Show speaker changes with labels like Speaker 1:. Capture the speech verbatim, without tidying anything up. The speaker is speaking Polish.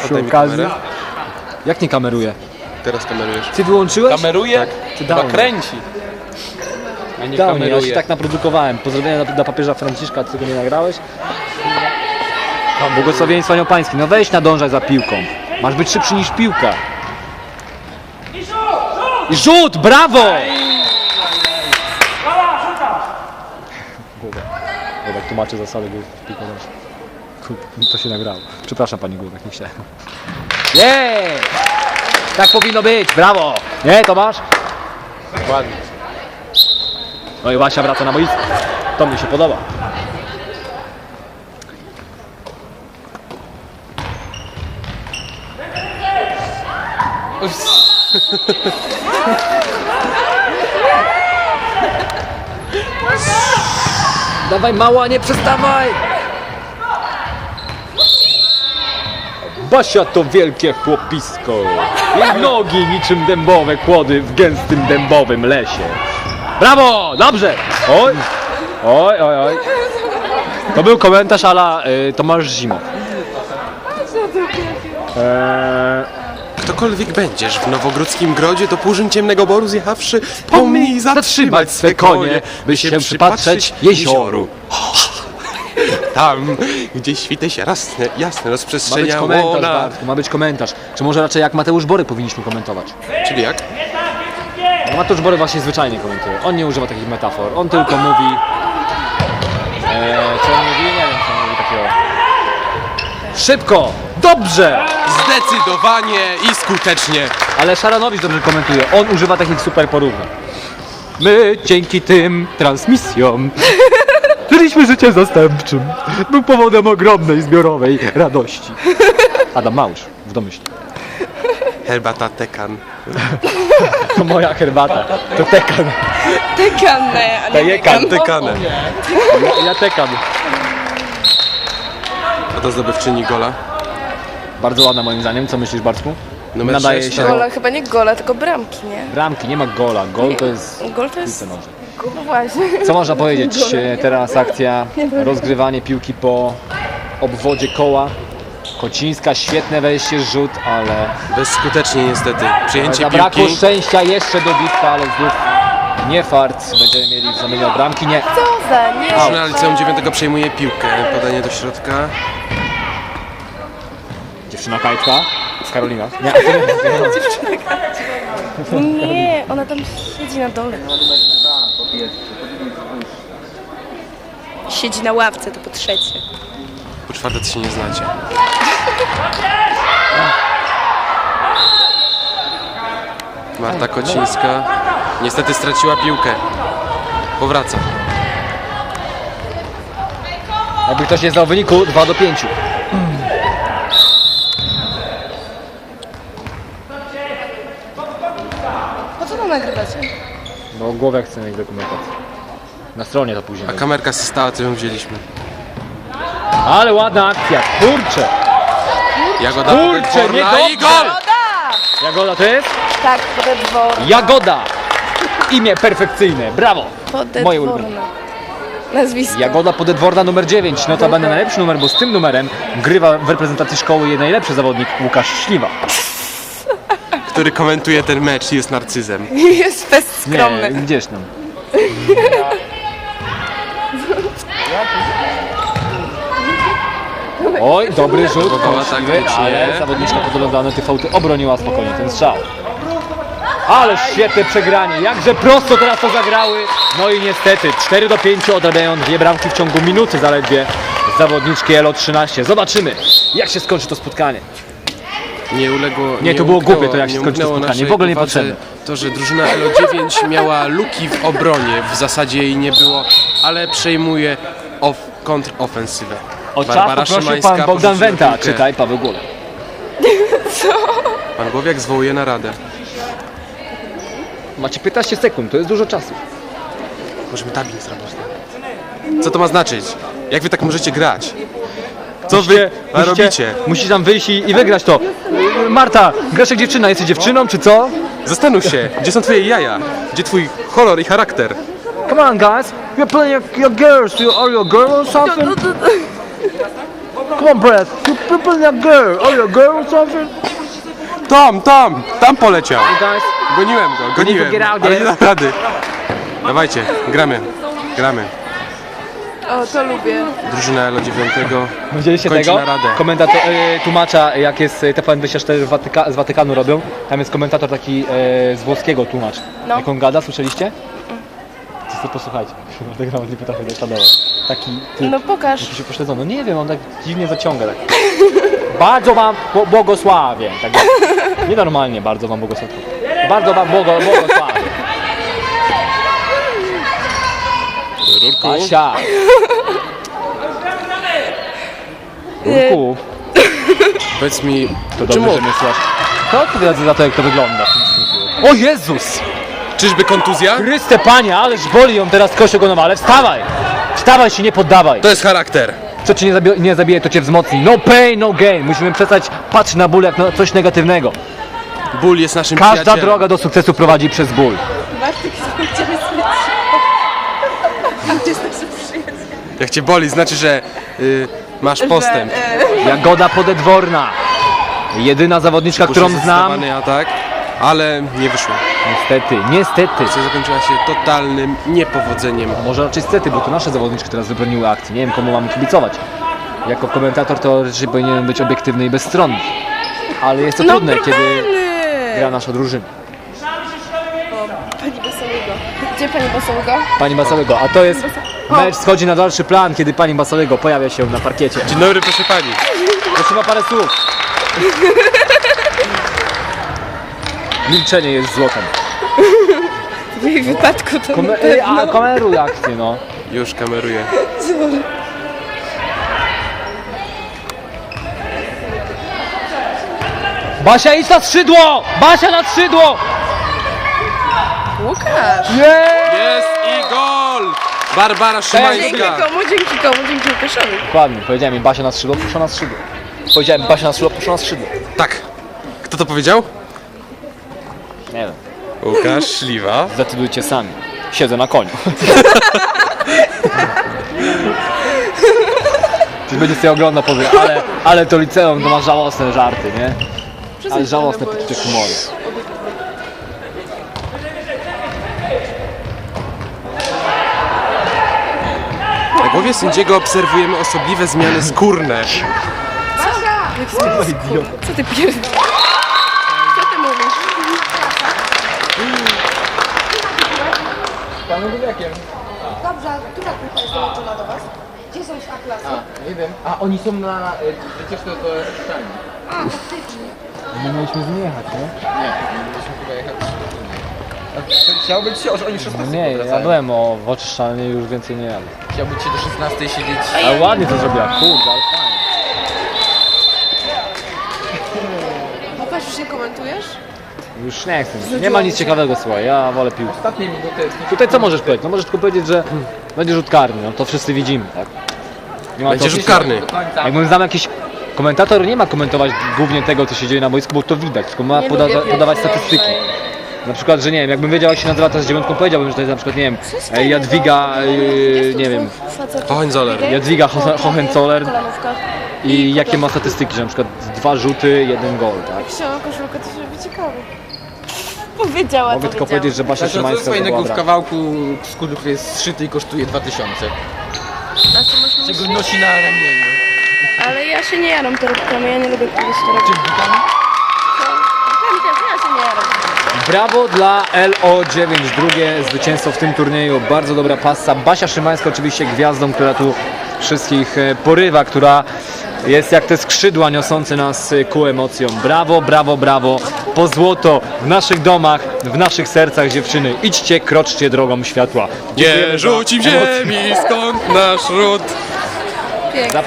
Speaker 1: Przy okazji. Jak nie kameruje?
Speaker 2: Teraz kamerujesz.
Speaker 1: Ty wyłączyłeś?
Speaker 3: Kameruje?
Speaker 1: Tak.
Speaker 3: Ty chyba kręci. A nie
Speaker 1: Dał mnie, ja
Speaker 3: kameruje.
Speaker 1: się tak naprodukowałem. Pozdrowienia dla, dla papieża Franciszka, ty tego nie nagrałeś? Błogosławieństwo Anioł Pański. No weź nadążaj za piłką. Masz być szybszy niż piłka. I rzut! Brawo! Głowek. Głowek tłumaczy zasady gry w piłkę nożną. Kurde, to się nagrało. Przepraszam pani Głowek, nie chciałem. Jej! Tak powinno być, brawo! Nie, Tomasz?
Speaker 3: Ładnie.
Speaker 1: No i Wasia wraca na boisko. To mi się podoba. Dawaj mała, nie przestawaj! Basia to wielkie chłopisko. Jej nogi niczym dębowe kłody w gęstym dębowym lesie. Brawo! Dobrze! Oj! Oj, oj, oj. To był komentarz ala y, Tomasz Zimow. Eee,
Speaker 2: Ktokolwiek będziesz w Nowogródzkim Grodzie do Półżyn Ciemnego Boru zjechawszy, pomnij zatrzymać swe konie, by się przypatrzeć jezioru. Tam, gdzie świty się jasne, jasne
Speaker 1: ma być
Speaker 2: rozprzestrzeniało
Speaker 1: komentarz,
Speaker 2: na...
Speaker 1: Bartku, ma być komentarz. Czy może raczej jak Mateusz Bory powinniśmy komentować?
Speaker 2: Czyli jak?
Speaker 1: No Mateusz Bory właśnie zwyczajnie komentuje. On nie używa takich metafor. On tylko mówi... Eee, co on mówi? Nie wiem, co on mówi takiego. Szybko! Dobrze!
Speaker 2: Zdecydowanie i skutecznie.
Speaker 1: Ale Szaranowicz dobrze komentuje. On używa takich super porównań. My dzięki tym transmisjom żyliśmy życiem zastępczym. Był powodem ogromnej zbiorowej radości. Adam Małysz w domyśle.
Speaker 2: Herbata Tekan.
Speaker 1: To moja herbata. To tekan.
Speaker 4: Tekanne, a nie
Speaker 1: Tekan.
Speaker 4: tekan.
Speaker 2: Tekanem.
Speaker 1: Ja, ja tekam.
Speaker 2: A to zdobywczyni gola.
Speaker 1: Bardzo ładna moim zdaniem. Co myślisz, Bartku?
Speaker 2: Numer
Speaker 1: Nadaje
Speaker 2: sześć,
Speaker 1: się
Speaker 2: tak.
Speaker 4: Gola, chyba nie gola, tylko bramki, nie?
Speaker 1: bramki, nie ma gola. Gol to jest...
Speaker 4: Gol to jest...
Speaker 1: piłce nożnej.
Speaker 4: No właśnie.
Speaker 1: Co można powiedzieć? E, Teraz akcja, rozgrywanie piłki po obwodzie koła. Kocińska, świetne wejście, rzut, ale
Speaker 2: Bezskutecznie niestety. Przyjęcie
Speaker 1: zabrakło
Speaker 2: piłki.
Speaker 1: szczęścia jeszcze do bitka, ale znów nie fart. Będziemy mieli w zamianie bramki, nie.
Speaker 4: Co za nie?
Speaker 2: Drużyna liceum dziewiątego przejmuje piłkę. Podanie do środka.
Speaker 1: Dziewczyna Kajtka z Karolina. Nie.
Speaker 4: Nie, ona tam siedzi na dole. Siedzi na ławce, to po trzecie.
Speaker 2: Po czwarte to się nie znacie. Marta Kocińska niestety straciła piłkę. Powraca.
Speaker 1: Jakby ktoś nie znał wyniku, dwa do pięciu.
Speaker 4: Po co to nagrywacie?
Speaker 1: No głowę chcę mieć dokumentację. Na stronie to później.
Speaker 2: A kamerka się stała, to ją wzięliśmy.
Speaker 1: Ale ładna akcja, kurczę.
Speaker 2: Jagoda
Speaker 1: Kurczę,
Speaker 2: Podporna
Speaker 1: nie
Speaker 2: i gol!
Speaker 4: Woda!
Speaker 1: Jagoda to jest?
Speaker 4: Tak, podedworna.
Speaker 1: Jagoda. Imię perfekcyjne, brawo. Moje ulubione.
Speaker 4: Podedworna. Nazwisko.
Speaker 1: Jagoda Podedworna numer dziewięć, notabene najlepszy numer, bo z tym numerem grywa w reprezentacji szkoły jej najlepszy zawodnik Łukasz Śliwa.
Speaker 2: Który komentuje ten mecz i jest narcyzem.
Speaker 4: Jest fest
Speaker 1: Nie,
Speaker 4: skromny.
Speaker 1: gdzieś tam. Oj, dobry rzut,
Speaker 2: Próbowała
Speaker 1: kąśliwy,
Speaker 2: taktycznie.
Speaker 1: ale zawodniczka podglądana tych fałty obroniła spokojnie ten strzał. Ale świetne przegranie, jakże prosto teraz to zagrały. No i niestety cztery do pięciu odrabiają dwie bramki w ciągu minuty zaledwie zawodniczki Elo trzynaście. Zobaczymy, jak się skończy to spotkanie.
Speaker 2: Nie uległo.
Speaker 1: Nie, to było
Speaker 2: umknęło-
Speaker 1: głupie to, jak się
Speaker 2: nie
Speaker 1: skończy to
Speaker 2: umknęło
Speaker 1: spotkanie,
Speaker 2: naszej
Speaker 1: w ogóle
Speaker 2: uwadze
Speaker 1: niepotrzebne.
Speaker 2: To, że drużyna Elo dziewięć miała luki w obronie, w zasadzie jej nie było, ale przejmuje off, kontrofensywę.
Speaker 1: O czas
Speaker 2: Barbara
Speaker 1: poprosił
Speaker 2: Szymańska
Speaker 1: pan Bogdan
Speaker 2: porzuciła
Speaker 1: Wenta,
Speaker 2: piłkę.
Speaker 1: czytaj Paweł Gule.
Speaker 2: Pan Głowiak zwołuje naradę.
Speaker 1: Macie piętnaście sekund, to jest dużo czasu.
Speaker 2: Możemy dubbing zrobić. Co to ma znaczyć? Jak wy tak możecie grać? Co wy
Speaker 1: Musicie-
Speaker 2: robicie?
Speaker 1: Musisz tam wyjść i, i wygrać to. Marta, grasz jak dziewczyna, jesteś dziewczyną czy co?
Speaker 2: Zastanów się, gdzie są twoje jaja? Gdzie twój kolor i charakter?
Speaker 1: Come on guys, you're playing your, your girls, you are you a girl or something? Come on, Brad. You people not girl. Are you a girl or something?
Speaker 2: Tam, tam, tam poleciał.
Speaker 1: Guys,
Speaker 2: Goniłem go, goniłem,
Speaker 1: get out
Speaker 2: ale
Speaker 1: there.
Speaker 2: nie da rady. Dawajcie, gramy, gramy.
Speaker 4: O, to lubię.
Speaker 2: Drużyna Elo dziewięć.
Speaker 1: widzieliście
Speaker 2: Kończy
Speaker 1: tego?
Speaker 2: na radę.
Speaker 1: Komentator, e, tłumacza, jak jest T V N dwadzieścia cztery w Watyka, z Watykanu robią. Tam jest komentator taki e, z włoskiego tłumacz.
Speaker 4: No.
Speaker 1: Jak on gada, słyszeliście? Co to posłuchajcie. Tego nawet nie potrafię zasztadować. Taki typ.
Speaker 4: No pokaż.
Speaker 1: Jakiś upośledzony. No nie wiem, on tak dziwnie zaciąga. Tak. Bardzo wam bł- błogosławię. Tak jak- nienormalnie bardzo wam błogosławię. Bardzo wam błogo, błogosławię.
Speaker 2: Rurku,
Speaker 1: Asia. Rurku,
Speaker 2: powiedz mi,
Speaker 1: to
Speaker 2: czemu,
Speaker 1: dobrze, że mnie słuchasz. To odpowiada za to, jak to wygląda. O Jezus!
Speaker 2: czyżby kontuzja?
Speaker 1: Chryste Panie, ależ boli ją teraz kość ogonowa, ale wstawaj! Wstawaj się, nie poddawaj!
Speaker 2: To jest charakter.
Speaker 1: Co cię nie, zabi- nie zabije, to cię wzmocni. No pain, no gain. Musimy przestać patrzeć na ból jak na coś negatywnego.
Speaker 2: Ból jest naszym
Speaker 1: Każda
Speaker 2: przyjacielem.
Speaker 1: droga do sukcesu prowadzi przez ból.
Speaker 4: Bartek, chciałeś
Speaker 2: Jak cię boli, znaczy, że y, masz postęp.
Speaker 1: Jagoda Podedworna. Jedyna zawodniczka, którą znam.
Speaker 2: Zdecydowany atak, ale nie wyszło.
Speaker 1: Niestety, niestety.
Speaker 2: Akcja zakończyła się totalnym niepowodzeniem.
Speaker 1: Może raczej niestety, bo to nasze zawodniczki teraz wybroniły akcji. Nie wiem, komu mamy kibicować. Jako komentator to raczej powinienem być obiektywny i bezstronny. Ale jest to
Speaker 4: No
Speaker 1: trudne, kiedy
Speaker 4: normalny.
Speaker 1: gra nasza drużyna.
Speaker 4: Pani Basałygo. Gdzie pani Basałygo?
Speaker 1: Pani Basałygo, a to jest mecz schodzi na dalszy plan, kiedy pani Basałygo pojawia się na parkiecie.
Speaker 2: Dzień dobry, proszę pani.
Speaker 1: Prosimy o parę słów. Milczenie jest złotem.
Speaker 4: W jej wypadku to
Speaker 1: Kome-
Speaker 4: na
Speaker 1: Ej, a
Speaker 4: pewno.
Speaker 1: kameruj akcję, no.
Speaker 2: Już kameruję.
Speaker 1: Basia, idź na skrzydło! Basia na skrzydło!
Speaker 4: Łukasz!
Speaker 2: Jest i gol! Barbara
Speaker 4: Dzięki
Speaker 2: Szymańska.
Speaker 4: komu, dzięki komu, dzięki Łukaszowi.
Speaker 1: Dokładnie, powiedziałem mi Basia na skrzydło, proszę na skrzydło. Powiedziałem Basia na skrzydło, proszę na skrzydło.
Speaker 2: Tak. Kto to powiedział?
Speaker 1: Nie wiem,
Speaker 2: Łukasz Śliwa.
Speaker 1: zdecydujcie sami. Siedzę na koniu. Ty będzie sobie oglądał powie, ale, ale to liceum to ma żałosne żarty, nie? Ale żałosne poczucie humoru.
Speaker 2: Na głowie sędziego obserwujemy osobliwe zmiany skórne.
Speaker 4: Co ty pierdolisz? Co ty mówisz?
Speaker 5: Dobrze, a która grupa jest dołączona do Was? Gdzie są z A-klasy?
Speaker 3: Nie wiem. A oni są na wycieczce do Szczelni.
Speaker 5: A, faktycznie.
Speaker 1: My mieliśmy z nim jechać, nie?
Speaker 3: Nie, mieliśmy chyba jechać. Chciał być się, że oni
Speaker 1: No
Speaker 3: szesnastej
Speaker 1: nie, ja
Speaker 3: powracają.
Speaker 1: byłem o w oczyszczalni, już więcej nie jadę.
Speaker 3: Chciał być się do szesnastej siedzieć.
Speaker 1: Ale ładnie to zrobiła, kurde, ale fajnie.
Speaker 4: Łukasz, już nie komentujesz?
Speaker 1: Już nie chcę, nie ma nic ciekawego, słuchaj, ja wolę piłkę.
Speaker 3: Ostatnie minuty.
Speaker 1: Tutaj co możesz powiedzieć? No możesz tylko powiedzieć, że będzie rzut karny, no to wszyscy widzimy, tak? Nie ma
Speaker 2: Będzie
Speaker 1: to-
Speaker 2: rzut karny.
Speaker 3: Do końca.
Speaker 1: Jakbym znał jakiś komentator, nie ma komentować głównie tego, co się dzieje na boisku, bo to widać, tylko ma
Speaker 4: Nie
Speaker 1: poda
Speaker 4: lubię
Speaker 1: podawać
Speaker 4: piłki
Speaker 1: statystyki.
Speaker 4: nożnej.
Speaker 1: Na przykład, że nie wiem, jakbym wiedział, jak się nazywa ta z dziewiątką, powiedziałbym, że to jest na przykład, nie wiem, e, Jadwiga, e, nie wiem,
Speaker 2: Hohenzoller.
Speaker 1: Jadwiga Ho- Hohenzoller
Speaker 4: Kolanówka.
Speaker 1: i jakie ma statystyki, że na przykład dwa rzuty, jeden gol, tak?
Speaker 4: Wsiąła koszulkę, to się robi ciekawe. Powiedziała,
Speaker 1: Mogę
Speaker 4: to
Speaker 1: tylko
Speaker 4: wiedziała.
Speaker 1: powiedzieć, że Basia
Speaker 3: Znaczy, co
Speaker 1: Szymańska to
Speaker 3: fajnego
Speaker 1: była
Speaker 3: w
Speaker 1: brak.
Speaker 3: kawałku skóry, który jest zszyty i kosztuje dwa tysiące.
Speaker 4: A co masz na
Speaker 3: Czego
Speaker 4: myśli?
Speaker 3: nosi na ramieniu.
Speaker 4: Ale ja się nie jaram torebkami, ja nie lubię kogoś torebkami. Torebkami też, ja się nie jaram.
Speaker 1: Brawo dla L O dziewięć, drugie zwycięstwo w tym turnieju, bardzo dobra passa. Basia Szymańska oczywiście gwiazdą, która tu wszystkich e, porywa, która jest jak te skrzydła niosące nas e, ku emocjom. Brawo, brawo, brawo, po złoto w naszych domach, w naszych sercach dziewczyny. Idźcie, kroczcie drogą światła. Dziękujemy
Speaker 2: Nie
Speaker 1: za
Speaker 2: rzuć im
Speaker 1: emocje.
Speaker 2: ziemi, skąd nasz ród?
Speaker 4: Pięknie.